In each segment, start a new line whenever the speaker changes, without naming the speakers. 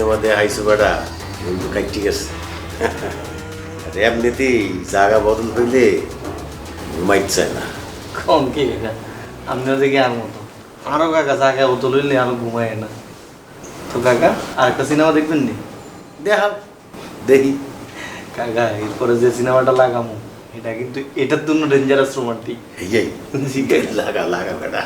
Cinema দিয়ে হাইসু বেড়া কিন্তু কাইটি গেছে এমনিতেই জায়গা বদল হইলে ঘুমাইতে চায় না।
কম কি কাকা আপনার দিকে আর মতো আরো কাকা জায়গা ও তো লইলে আরো ঘুমায় না। তো কাকা আর একটা সিনেমা দেখবেন নি?
দেখা দেখি
কাকা এরপরে যে সিনেমাটা লাগামো এটা কিন্তু এটার জন্য ডেঞ্জারাস রোমান্টিক।
এই লাগা লাগা বেড়া।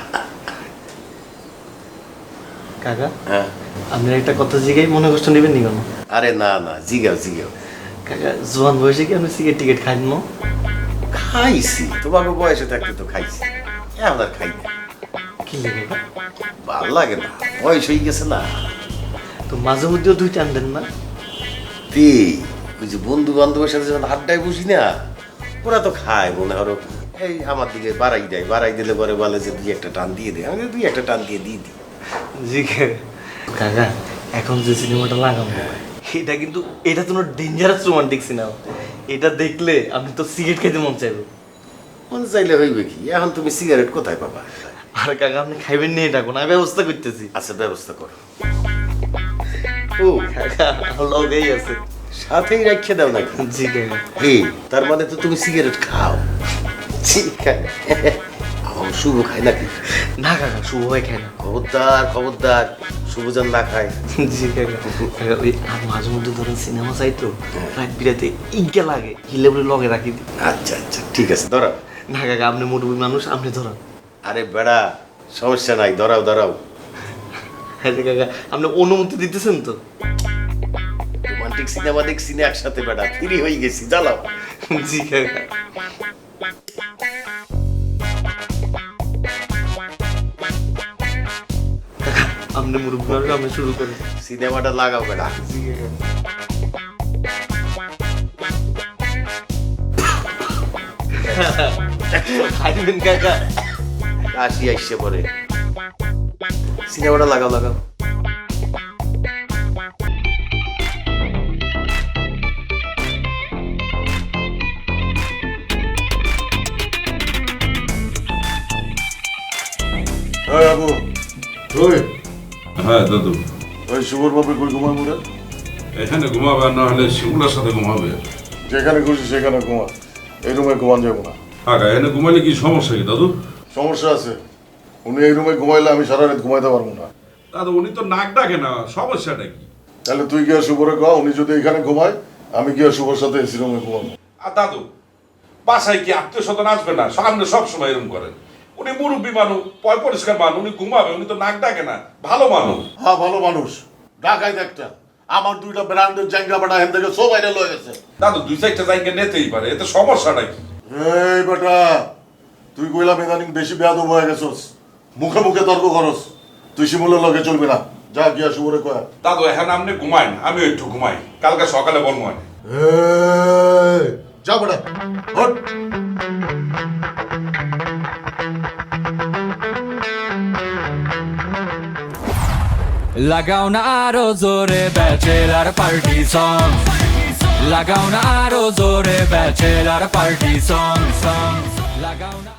কাকা
হ্যাঁ
আপনার একটা কথা জিগাই মনে কষ্ট নেবেন নি কেন?
আরে না না জিগাও জিগাও।
কাকা জোয়ান বয়সে কি আপনি সিগারেট টিকেট খাইন না?
খাইছি তোমাকে বয়সে থাকতে তো খাইছি, এখন আর খাই না।
কি লেগে
ভাল লাগে না, বয়স হয়ে গেছে না।
তো মাঝে মধ্যেও দুই টান দেন না?
তে ওই যে বন্ধু বান্ধবের সাথে যখন আড্ডায় বসি না, ওরা তো খায় মনে করো এই আমার দিকে বাড়াই দেয়, বাড়াই দিলে পরে বলে যে দুই একটা টান দিয়ে দে, আমি দুই একটা টান দিয়ে দিই।
জি কাকা এখন যে সিনেমাটা লাগাবো এটা কিন্তু এটা তো ডেঞ্জারাস রোমান্টিক সিনেমা। এটা দেখলে আপনি তো সিগারেট খেতে মন চাইবে।
মন চাইলে হইবে কি, এখন তুমি সিগারেট কোথায় পাবা?
আর কাকা আপনি খাইবেন নি এটা কোনো ব্যবস্থা করতেছি।
আচ্ছা ব্যবস্থা করো।
ও কাকা লগেই আছে,
সাথেই রাখে দাও নাকি?
জি কাকা।
এই তার মানে তো তুমি সিগারেট খাও?
জি কাকা।
আমার শুভ খায় নাকি?
না কাকা শুভ হয় খায় না।
খবরদার খবরদার, শুভ যেন না খায়।
জি কাকা। কাকা ওই আর মাঝে মধ্যে ধরেন সিনেমা চাই তো রাত বিরাতে ইজ্ঞা লাগে হিলে বলে লগে রাখি দিই।
আচ্ছা আচ্ছা ঠিক আছে ধরাও।
না কাকা আপনি মুরব্বী মানুষ আপনি ধরান।
আরে বেড়া সমস্যা নাই, ধরাও ধরাও।
হ্যাঁ কাকা আপনি অনুমতি দিতেছেন তো?
রোমান্টিক সিনেমা দেখছি না একসাথে বেড়া, ফ্রি হয়ে গেছি, জ্বালাও।
জি কাকা। আপনি মুরব্বী মানুষ আপনি শুরু করেন।
সিনেমাটা লাগাও বেড়া।
জি কাকা। খাইবেন কাকা?
কাশি আইসে পরে, সিনেমাটা লাগাও লাগাও।
বাবু ওই
হ্যাঁ দাদু,
ওই শুভর বাপে কই ঘুমায় মোরা?
এখানে ঘুমাবে আর না হলে শিমুলার সাথে ঘুমাবে।
যেখানে খুশি সেখানে ঘুমা, এই রুমে ঘুমান যাবো না।
আগা এখানে ঘুমাইলে কি সমস্যা কি দাদু?
সমস্যা আছে, উনি এই রুমে ঘুমাইলে আমি সারা রাত ঘুমাইতে পারবো না।
দাদু উনি তো নাক ডাকে না, সমস্যাটা কি?
তাহলে তুই গিয়া শুভরে কয়া উনি যদি এখানে ঘুমায়, আমি গিয়া শুভর সাথে এসি রুমে ঘুমাবো।
আর দাদু বাসায় কি আত্মীয় স্বজন আসবে না? সামনে সবসময় এরকম করেন। উনি মুরব্বী মানুষ, পয় পরিষ্কার মানুষ, উনি ঘুমাবে, উনি তো নাক ডাকে না, ভালো মানুষ।
হ্যাঁ ভালো মানুষ, ঢাকায় একটা আমার দুইটা ব্র্যান্ডের জায়গা বাটা হেন থেকে সব বাইরে লয়ে গেছে।
দাদু দুই চারটা জায়গা নিতেই পারে, এতে সমস্যাটা কি?
এই বেটা তুই কইলাম ইদানিং বেশি বেয়াদব হয়ে গেছস, মুখে মুখে তর্ক করস, তুই শিমুলের লগে চলবি না, যা গিয়া শুভরে কয়া।
দাদু এখন আপনি ঘুমাই না, আমিও একটু ঘুমাই, কালকে সকালে বলবো।
যা বেটা হট।
লাগাও না আরো জোরে ব্যাচেলার পার্টি সং, লাগাও না আরো জোরে ব্যাচেলার পার্টি সং, লাগাও না।